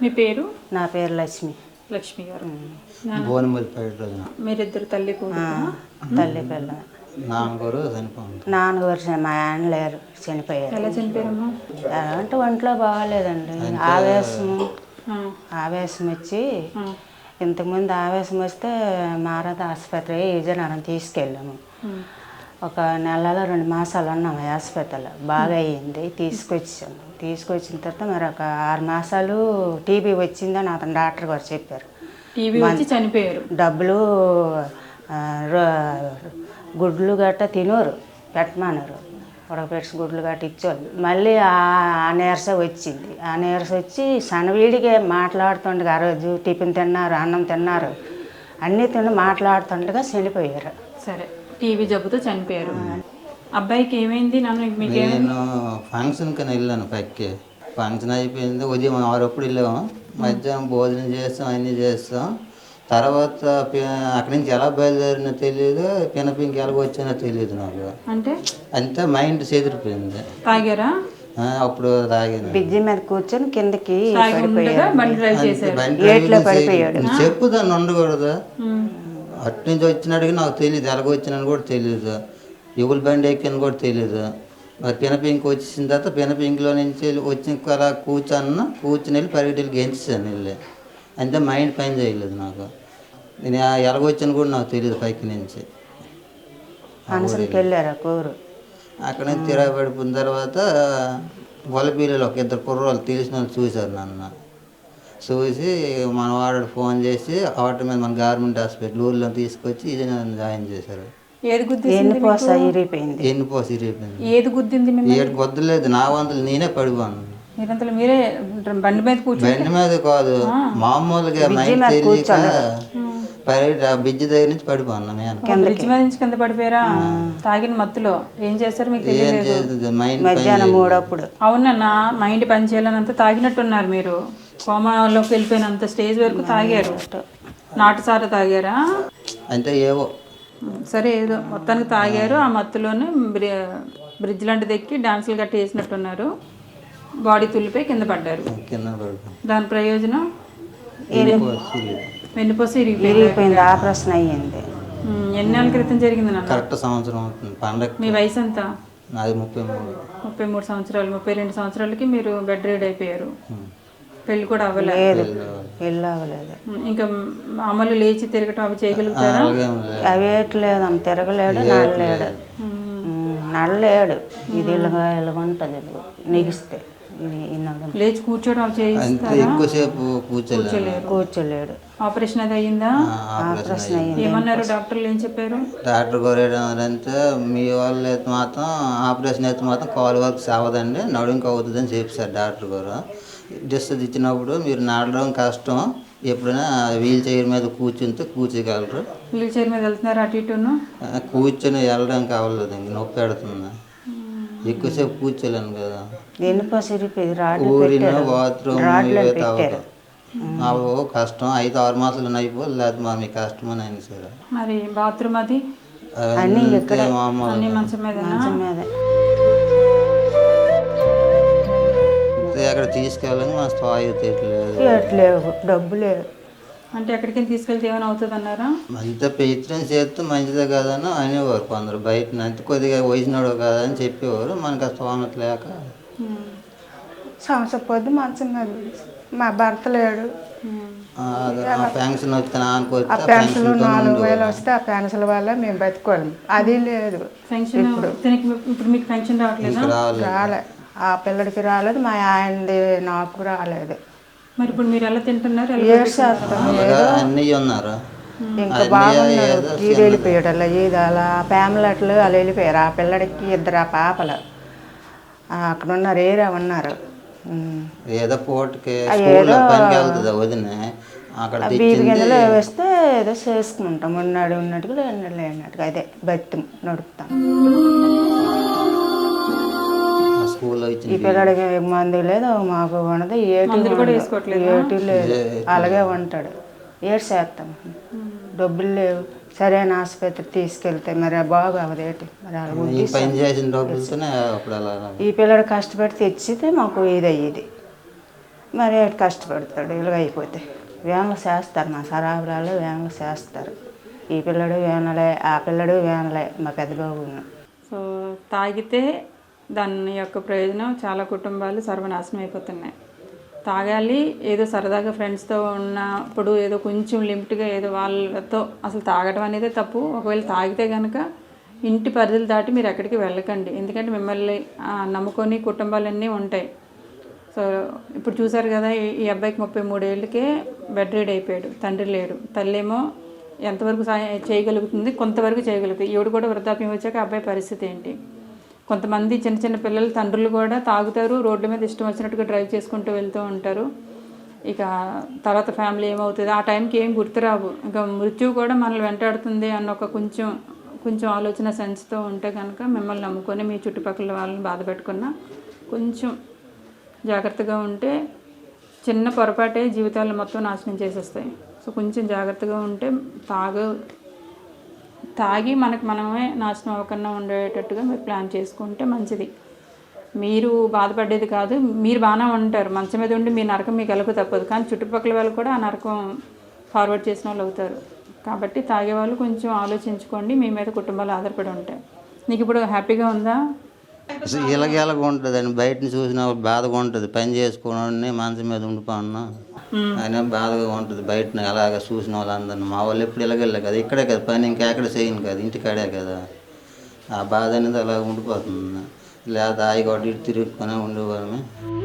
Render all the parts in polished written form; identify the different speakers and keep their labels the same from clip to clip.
Speaker 1: మీ పేరు?
Speaker 2: నా పేరు లక్ష్మి.
Speaker 1: లక్ష్మి గారు.
Speaker 3: మీరిద్దరు
Speaker 1: తల్లి
Speaker 2: తల్లి పిల్ల. నాన్నగారు మా ఆయన లేరు, చనిపోయారు.
Speaker 1: ఎలా చనిపోయారమ్మా?
Speaker 2: ఎలా అంటే ఒంట్లో బాగాలేదండి, ఆవేశం వచ్చి, ఇంతకుముందు ఆవేశం వస్తే మారద ఆసుపత్రి విజయనగరం తీసుకెళ్ళాము. ఒక నెలలో 2 మాసాలు ఉన్నాము హాస్పిటల్లో. బాగా అయ్యింది, తీసుకొచ్చిన తర్వాత మరి ఒక 6 మాసాలు టీబీ వచ్చిందని అతను డాక్టర్ గారు చెప్పారు.
Speaker 1: టీబీ వచ్చి చనిపోయారు.
Speaker 2: డబ్బులు గుడ్లు గట్ట తినోరు, పెట్టమన్నారు. ఉడకపెట్టి గుడ్లు గట్ట ఇచ్చేవాళ్ళు. మళ్ళీ ఆ నీరస వచ్చింది. ఆ నీరస వచ్చి సనవీడిగా మాట్లాడుతుండగా, ఆ రోజు టిఫిన్ తిన్నారు, అన్నం తిన్నారు, అన్నీ తిని మాట్లాడుతుండగా చనిపోయారు.
Speaker 1: సరే, టీబీ జబ్బుతో చనిపోయారు. అబ్బాయికి ఏమైంది?
Speaker 3: నేను ఫంక్షన్ కని వెళ్ళాను. పైకి ఫంక్షన్ అయిపోయింది, ఉదయం 6 వెళ్ళాము. మధ్యాహ్నం భోజనం చేస్తాం, అన్నీ చేస్తాం. తర్వాత అక్కడి నుంచి ఎలా బయలుదేరినో తెలియదు, పినపింకి ఎలా వచ్చానో తెలియదు నాకు. అంతే మైండ్ చెదిరిపోయింది.
Speaker 1: తాగారా?
Speaker 3: అప్పుడు తాగాను.
Speaker 2: బ్రిడ్జి మీద కూర్చొని కిందకి
Speaker 3: చెప్పు దాన్ని ఉండకూడదు. అటు నుంచి వచ్చినట్టుగా నాకు తెలియదు, ఎలాగ వచ్చినాను కూడా తెలియదు, ఎవరి బండి ఎక్కిన కూడా తెలియదు. మరి పినపింకి వచ్చేసిన తర్వాత పినపింకిలో నుంచి వచ్చి అలా కూర్చొని వెళ్ళి పరిగెట్టి గెంచాను వెళ్ళి. అంతే మైండ్ పని చేయలేదు నాకు. నేను ఎలాగొచ్చాను కూడా నాకు తెలియదు. పైకి నుంచి అక్కడ నుంచి తిరగబడిపోయిన తర్వాత వలపీలలో ఒక 2 కుర్రోళ్ళు తెలిసిన వాళ్ళు చూశారు నన్ను. చూసి మన వాడు ఫోన్ చేసి ఆటో మీద మన గవర్నమెంట్ హాస్పిటల్ ఊర్లో తీసుకొచ్చి ఇది నన్ను జాయిన్ చేశారు.
Speaker 2: ఎన్నిపోస ఇరిగిపోయింది.
Speaker 1: ఏది గుద్దింది?
Speaker 3: ఏడు గుద్దలేదు, నా వంతులు నేనే పడిపోను.
Speaker 1: మీరే బండి మీద
Speaker 3: బండి మీద కాదు, మామూలుగా మైండ్ తెలియక బ్రిడ్జి దగ్గర నుంచి పడిపోన్నా.
Speaker 1: బ్రిడ్జి మీద నుంచి కింద పడిపోయారా? తాగిన మత్తులో ఏం చేస్తారు మీకు తెలియదు.
Speaker 2: మధ్యాహ్నం 3
Speaker 1: అవునన్నా, మైండ్ పని చేయాలనంత తాగినట్టున్నారు మీరు. కోమాలోకి వెళ్ళిపోయినంత స్టేజ్ వరకు తాగారు. నాటుసారా తాగారా?
Speaker 3: అంటే ఏవో
Speaker 1: సరే, ఏదో మొత్తానికి తాగారు. ఆ మత్తులోనే బ్రిడ్జ్ లాంటిది ఎక్కి డాన్సులు గట్టి వేసినట్టున్నారు. బాడీ తుల్లిపోయి కింద పడ్డారు. దాని ప్రయోజనం వెన్నుపూస
Speaker 2: ఇరిగిపోయింది, ఆపరేషన్ అయ్యింది.
Speaker 1: ఎన్ని నెలల క్రితం జరిగింది నాన్న?
Speaker 3: కరెక్ట్ సంవత్సరం అవుతుంది పండగ.
Speaker 1: మీ వయసు ఎంత?
Speaker 3: నాది 33.
Speaker 1: 33 సంవత్సరాలు. 32 సంవత్సరాలకి మీరు బెడ్ రీడ్ అయిపోయారు. పెళ్ళి కూడా అవ్వలేదు. ఇంకా అమలు లేచి తిరగటం అవి చేయగలుగుతారా?
Speaker 2: అవేట్లేదు, అంత తిరగలేడు, నడలేడు. ఇది ఇలాగ ఉంటుంది, నిగిస్తే
Speaker 1: లేచి కూర్చోవడం అవి చేయిస్తారా?
Speaker 2: కూర్చోలేడు.
Speaker 1: ఆపరేషన్ అది అయ్యిందా?
Speaker 2: ఆపరేషన్ అయ్యింది.
Speaker 1: ఏమన్నారు డాక్టర్లు? ఏం చెప్పారు?
Speaker 3: డాక్టర్ గారు ఏంటంటే మీ వాళ్ళు అయితే మాత్రం ఆపరేషన్ అయితే మాత్రం కాలు వరకు సావదండి, నడుంకి అవుతుందని చెప్పారు డాక్టర్ గారు. డిస్టెన్స్ ఇచ్చినప్పుడు మీరు నడడం కష్టం, ఎప్పుడైనా వీల్ చైర్ మీద కూర్చోగలరు.
Speaker 1: వీల్ చైర్ మీద వెళ్తున్నారు అటు ఇటు?
Speaker 3: కూర్చొని వెళ్ళడం కావలేదు, ఇంక నొప్పి పెడుతుంది, ఎక్కువసేపు కూర్చోలేను కదా. ఊరిన బాత్రూమ్ కష్టం. 5-6 మాసాలు అయిపోదు, లేకపోతే మరి మీకు కష్టం అని అయింది సార్.
Speaker 1: మరి బాత్రూమ్ అది
Speaker 3: అక్కడ తీసుకెళ్ళాలని మా స్థాయి తీయట్లేదు,
Speaker 2: డబ్బు లేదు.
Speaker 1: అంటే ఎక్కడికి తీసుకెళ్తే ఏమైనా అవుతుంది అన్నారా?
Speaker 3: అంత ప్రయత్నం చేస్తే మంచిదే కదని అనేవారు కొందరు. బయట అంత కొద్దిగా వయసునాడు కదా అని చెప్పేవారు. మనకు ఆ స్థోమత లేక
Speaker 2: సంవత్సరం పొద్దు మంచం మీద మా భర్త లేడు.
Speaker 3: పెన్షన్ వస్తే
Speaker 2: ఆ పెన్షన్ 4,000 వస్తే ఆ పెన్షన్ వల్ల మేము బతుకోలేము. అది లేదు.
Speaker 1: ఇప్పుడు మీకు పెన్షన్
Speaker 2: రాలే, ఆ పిల్లడికి రాలేదు, మా ఆయనది నాకు రాలేదు.
Speaker 1: మరి ఇప్పుడు మీరు ఎలా తింటున్నారు?
Speaker 3: అన్నీ ఉన్నారు.
Speaker 2: ఇంకా బాగున్నారు. ఇది వెళ్ళిపోయాడు అలా, ఇది అలా ఫ్యామిలీ అట్లు అలా వెళ్ళిపోయారు. ఆ పిల్లడికి 2 పాపలు అక్కడ ఉన్నారు, ఏరియా ఉన్నారు.
Speaker 3: ఏదో పోటీకి పనికి వెళ్తుంది వదిన, అక్కడ
Speaker 2: బీపీ గింజలు వేస్తే ఏదో చేసుకుంటాం. ఉన్నట్టుగా లేనట్టుగా అదే బతి నడుపుతాం. ఈ పిల్లడికి మందు లేదు, మాకు ఉండదు, ఏటి లేదు, అలాగే ఉంటాడు. ఏడ్చేస్తాం, డబ్బులు లేవు, సరైన ఆసుపత్రి తీసుకెళ్తే మరి బాగు అవదేటి. మరి ఈ పిల్లడు కష్టపడి తెచ్చితే మాకు ఇది అయ్యేది. మరి ఏడు కష్టపడతాడు ఇలాగ అయిపోతే. వేనలు చేస్తారు మా సరాబరాలు, వేనలు చేస్తారు. ఈ పిల్లడు వేనలే, ఆ పిల్లడు వేనలే మా పెద్ద బాబును.
Speaker 1: సో తాగితే దాని యొక్క ప్రయోజనం చాలా కుటుంబాలు సర్వనాశనం అయిపోతున్నాయి. తాగాలి ఏదో సరదాగా ఫ్రెండ్స్తో ఉన్నప్పుడు ఏదో కొంచెం లిమిట్గా ఏదో వాళ్ళతో, అసలు తాగడం అనేది తప్పు. ఒకవేళ తాగితే కనుక ఇంటి పరిధులు దాటి మీరు ఎక్కడికి వెళ్ళకండి. ఎందుకంటే మిమ్మల్ని నమ్ముకొని కుటుంబాలన్నీ ఉంటాయి. సో ఇప్పుడు చూసారు కదా, ఈ అబ్బాయికి 33 ఏళ్ళకే బెడ్ రీడ్ అయిపోయాడు. తండ్రి లేడు, తల్లేమో ఎంతవరకు సాయం చేయగలుగుతుంది, కొంతవరకు చేయగలుగుతుంది. ఈవిడ కూడా వృద్ధాప్యం వచ్చాక అబ్బాయి పరిస్థితి ఏంటి? కొంతమంది చిన్న చిన్న పిల్లలు తండ్రులు కూడా తాగుతారు, రోడ్ల మీద ఇష్టం వచ్చినట్టుగా డ్రైవ్ చేసుకుంటూ వెళ్తూ ఉంటారు. ఇక తర్వాత ఫ్యామిలీ ఏమవుతుంది, ఆ టైంకి ఏం గుర్తురావు. ఇంకా మృత్యువు కూడా మనల్ని వెంటాడుతుంది అన్న ఒక కొంచెం ఆలోచన సెన్స్తో ఉంటే కనుక మిమ్మల్ని నమ్ముకొని మీ చుట్టుపక్కల వాళ్ళని బాధ పెట్టుకున్నా కొంచెం జాగ్రత్తగా ఉంటే చిన్న పొరపాటే జీవితాలు మొత్తం నాశనం చేసేస్తాయి. సో కొంచెం జాగ్రత్తగా ఉంటే తాగి మనమే నాశనం అవ్వకుండా ఉండేటట్టుగా మీరు ప్లాన్ చేసుకుంటే మంచిది. మీరు బాధపడేది కాదు, మీరు బాగానే ఉంటారు. మంచం మీద ఉండి మీ నరకం మీకు ఎలాగో తప్పదు, కానీ చుట్టుపక్కల వాళ్ళు కూడా ఆ నరకం ఫార్వర్డ్ చేసిన వాళ్ళు అవుతారు. కాబట్టి తాగేవాళ్ళు కొంచెం ఆలోచించుకోండి. మీ మీద కుటుంబాలు ఆధారపడి ఉంటాయి. నీకు ఇప్పుడు హ్యాపీగా ఉందా?
Speaker 3: ఇలాగ ఉంటుందండి. బయటని చూసిన బాధగా ఉంటుంది. పని చేసుకోవడాన్ని మంచం మీద ఉండిపోన్నా అయినా బాధగా ఉంటుంది. బయటని అలాగ చూసిన వాళ్ళందరినీ. మా వాళ్ళు ఎప్పుడు ఇలాగెళ్ళే కదా, ఇక్కడే కదా పని, ఇంకెక్కడ చేయను కదా, ఇంటికాడే కదా. ఆ బాధ అనేది అలా ఉండిపోతుంది. లేదా ఆయిగొడ్డ ఇటు తిరుగుకొని ఉండేవాళ్ళమే.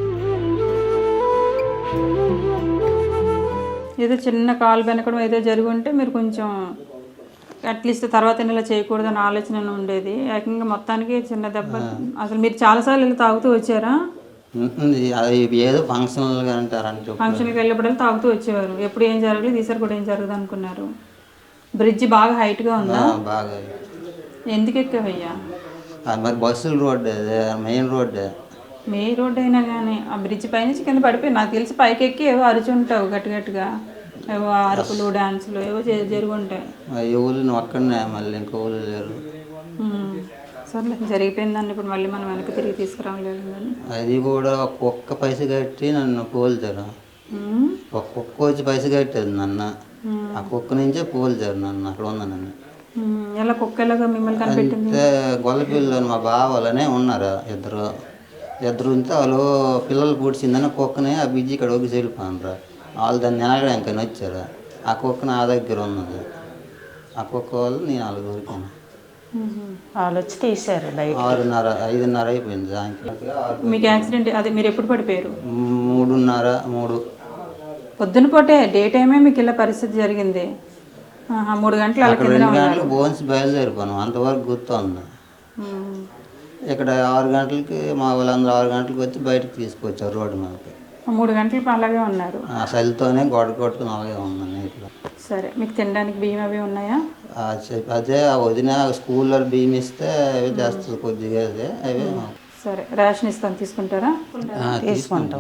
Speaker 1: ఏదో చిన్న కాలు వెనకడం ఏదో జరిగి ఉంటే మీరు కొంచెం అట్లీస్ట్ తర్వాత ఇలా చేయకూడదని ఆలోచన ఉండేది. ఏకంగా మొత్తానికి చిన్న దెబ్బ. అసలు మీరు చాలాసార్లు ఇలా తాగుతూ వచ్చారా?
Speaker 3: ఏదో ఫంక్షన్లుగా అంటారంటే
Speaker 1: ఫంక్షన్కి వెళ్ళినప్పుడు తాగుతూ వచ్చేవారు. ఎప్పుడు ఏం జరగలేదు, ఈసారి కూడా ఏం జరగదు అనుకున్నారు. బ్రిడ్జ్ బాగా హైట్గా ఉందా?
Speaker 3: బాగా.
Speaker 1: ఎందుకు ఎక్కవయ్యా?
Speaker 3: మరి బస్సుల road, main road.
Speaker 1: Main road అయినా కానీ ఆ బ్రిడ్జ్ పైనుంచి కింద పడిపోయి, నాకు తెలిసి పైకి ఎక్కి ఏవో అరుచుంటావు గట్టిగా, ఏవో అరుపులు డాన్సులు ఏవో జరుగుంటాయి.
Speaker 3: ఎవరు ఒక్కడనే, మళ్ళీ ఇంకో ఊళ్ళు లేరు.
Speaker 1: సర్లే, జరిగిపోయిందండి. ఇప్పుడు మళ్ళీ మనం వెనక్కి తిరిగి తీసుకురావలేదు కానీ
Speaker 3: అది కూడా ఒక్క పైస కట్టి నన్ను పోల్చారు. ఒక కుక్క వచ్చి పైస కట్టేది నన్ను. ఆ కుక్క నుంచే పోల్చారు నన్ను. అక్కడ ఉంది నన్ను.
Speaker 1: ఎలా కుక్క ఎలాగా మిమ్మల్ని కనిపెట్టింది?
Speaker 3: గొల్లపిల్లలు మా బావాలనే ఉన్నారు ఇద్దరు ఉంటే వాళ్ళు పిల్లలు పూడ్చిందని కుక్కని ఆ బిజ్జి ఇక్కడ ఒగ్గి చెల్లిపోయినరా. వాళ్ళు దాన్ని నిలగడానికి వచ్చారు. ఆ కుక్క నా దగ్గర ఉన్నది. ఆ కుక్క వాళ్ళు నేను వాళ్ళు దొరికాను.
Speaker 2: వాళ్ళు వచ్చి తీశారు.
Speaker 3: 6:30 5:30 అయిపోయింది సాయంత్రం.
Speaker 1: మీకు యాక్సిడెంట్ అది మీరు ఎప్పుడు పడిపోయారు?
Speaker 3: 3:30
Speaker 1: పొద్దున పూటే డే టైమే మీకు ఇలా పరిస్థితి జరిగింది. 3 గంటలు అలా
Speaker 3: 2 గంటలకు బోన్స్ బయలుదేరిపోయాను. అంతవరకు గుర్తుంది. ఇక్కడ 6 గంటలకి మా వాళ్ళందరూ 6 గంటలకు వచ్చి బయటకు తీసుకొచ్చారు రోడ్డు మీదకి.
Speaker 1: 3 గంటలు అలాగే ఉన్నారు.
Speaker 3: ఆ చలితోనే గొడవ కొట్టుకుని అలాగే ఉన్నాను నీటిలో.
Speaker 1: సరే, మీకు తినడానికి బియ్యం అవి ఉన్నాయా?
Speaker 3: అదే వదిన స్కూల్లో బియ్యం ఇస్తే అవి చేస్తుంది కొద్దిగా. అవి
Speaker 1: సరే, రేషన్ ఇస్తాను, తీసుకుంటారా?
Speaker 2: తీసుకుంటాం.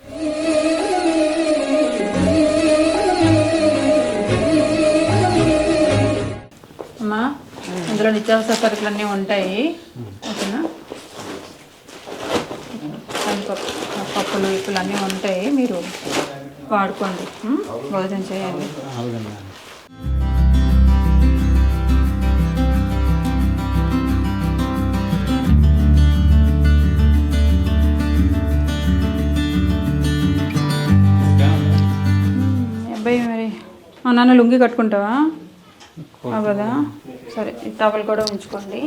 Speaker 1: అమ్మా, ఇందులో నిత్యావసర సరుకులు అన్నీ ఉంటాయి. ఓకేనా? పప్పులు ఇప్పులు అన్నీ ఉంటాయి, మీరు వాడుకోండి. భోజనం చేయండి. అబ్బాయి మరి నాన్న లుంగి కట్టుకుంటావా? కదా, సరే, ఈ టవల్ కూడా ఉంచుకోండి.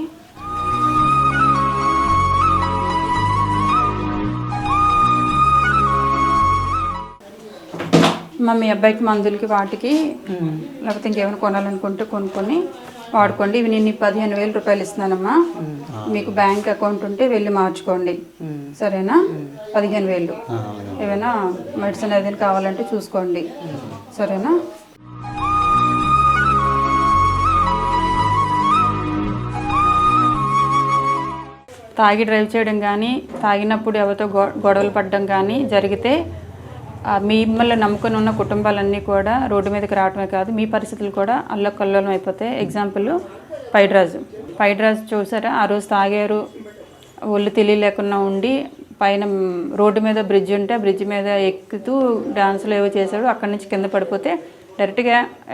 Speaker 1: మీ అబ్బాయికి మందులకి వాటికి లేకపోతే ఇంకేమైనా కొనాలనుకుంటే కొనుక్కొని వాడుకోండి. ఇవి నేను 15,000 రూపాయలు ఇస్తున్నానమ్మా. మీకు బ్యాంక్ అకౌంట్ ఉంటే వెళ్ళి మార్చుకోండి, సరేనా? 15,000. ఏమైనా మెడిసిన్ ఏదైనా కావాలంటే చూసుకోండి, సరేనా? తాగి డ్రైవ్ చేయడం కానీ, తాగినప్పుడు ఎవరితో గొడవలు పడడం కానీ జరిగితే మిమ్మల్ని నమ్ముకొని ఉన్న కుటుంబాలన్నీ కూడా రోడ్డు మీదకి రావడమే కాదు, మీ పరిస్థితులు కూడా అల్లకల్లోలం అయిపోతాయి. ఎగ్జాంపుల్ పైడిరాజు చూసారా? ఆ రోజు తాగారు, ఒళ్ళు తెలియలేకుండా ఉండి పైన రోడ్డు మీద బ్రిడ్జ్ ఉంటే ఆ బ్రిడ్జ్ మీద ఎక్కుతూ డాన్సులు ఏవో చేశాడు. అక్కడి నుంచి కింద పడిపోతే డైరెక్ట్గా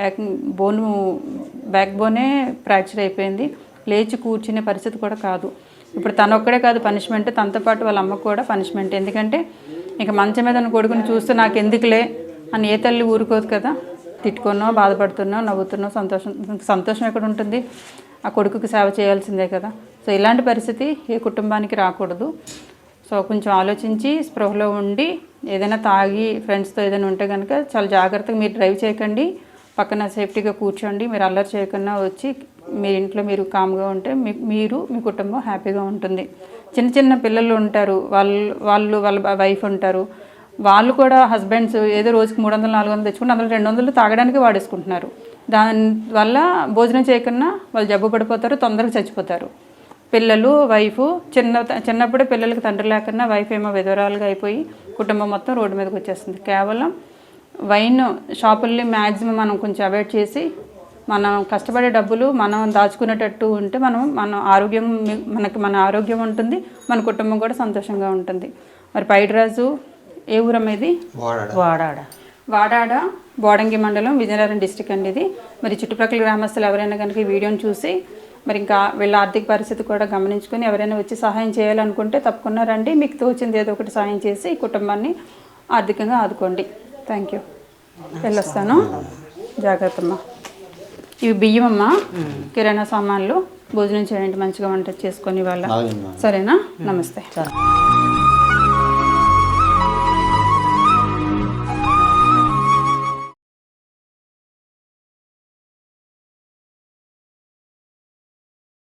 Speaker 1: బ్యాక్ బోనే ఫ్రాక్చర్ అయిపోయింది. లేచి కూర్చునే పరిస్థితి కూడా కాదు. ఇప్పుడు తనొక్కడే కాదు పనిష్మెంట్, తనతో పాటు వాళ్ళ అమ్మకు కూడా పనిష్మెంట్. ఎందుకంటే ఇక మంచం మీద ఉన్న కొడుకుని చూస్తే నాకు ఎందుకులే అని ఏ తల్లి ఊరుకోదు కదా. తిట్టుకున్నావు, బాధపడుతున్నావు, నవ్వుతున్నావు, సంతోషం ఎక్కడ ఉంటుంది? ఆ కొడుకుకి సేవ చేయాల్సిందే కదా. సో ఇలాంటి పరిస్థితి ఏ కుటుంబానికి రాకూడదు. సో కొంచెం ఆలోచించి స్పృహలో ఉండి ఏదైనా తాగి ఫ్రెండ్స్తో ఏదైనా ఉంటే కనుక చాలా జాగ్రత్తగా మీరు డ్రైవ్ చేయకండి. పక్కన సేఫ్టీగా కూర్చోండి. మీరు అల్లరి చేయకుండా వచ్చి మీ ఇంట్లో మీరు కామ్గా ఉంటే మీరు మీ కుటుంబం హ్యాపీగా ఉంటుంది. చిన్న చిన్న పిల్లలు ఉంటారు, వాళ్ళ వైఫ్ ఉంటారు, వాళ్ళు కూడా హస్బెండ్స్ ఏదో రోజుకి 300 400 తెచ్చుకుంటే అందులో 200 తాగడానికి వాడేసుకుంటున్నారు. దానివల్ల భోజనం చేయకుండా వాళ్ళు జబ్బు పడిపోతారు, తొందరగా చచ్చిపోతారు. పిల్లలు వైఫ్ చిన్నప్పుడే పిల్లలకి తండ్రి లేకుండా వైఫ్ ఏమో విధవరాలుగా అయిపోయి కుటుంబం మొత్తం రోడ్డు మీదకి వచ్చేస్తుంది. కేవలం వైన్ షాపుల్ని మ్యాక్సిమం మనం కొంచెం అవాయిడ్ చేసి మనం కష్టపడే డబ్బులు మనం దాచుకునేటట్టు ఉంటే మన ఆరోగ్యం ఉంటుంది, మన కుటుంబం కూడా సంతోషంగా ఉంటుంది. మరి పైడిరాజు ఏ ఊరమ్మ ఇది? వాడాడ బోడంగి మండలం, విజయనగరం డిస్టిక్ అండి ఇది. మరి చుట్టుప్రక్కల గ్రామస్తులు ఎవరైనా కనుక ఈ వీడియోని చూసి మరి ఇంకా వీళ్ళ ఆర్థిక పరిస్థితి కూడా గమనించుకొని ఎవరైనా వచ్చి సహాయం చేయాలనుకుంటే తప్పకుండా రండి. మీకు తోచింది ఏదో ఒకటి సహాయం చేసి ఈ కుటుంబాన్ని ఆర్థికంగా ఆదుకోండి. Thank you. వెళ్ళొస్తాను. జాగ్రత్తమ్మా. ఇవి బియ్యం అమ్మ, కిరాణా సామాన్లు. భోజనం చేయండి, మంచిగా వంట చేసుకొని వాళ్ళ. సరేనా? నమస్తే.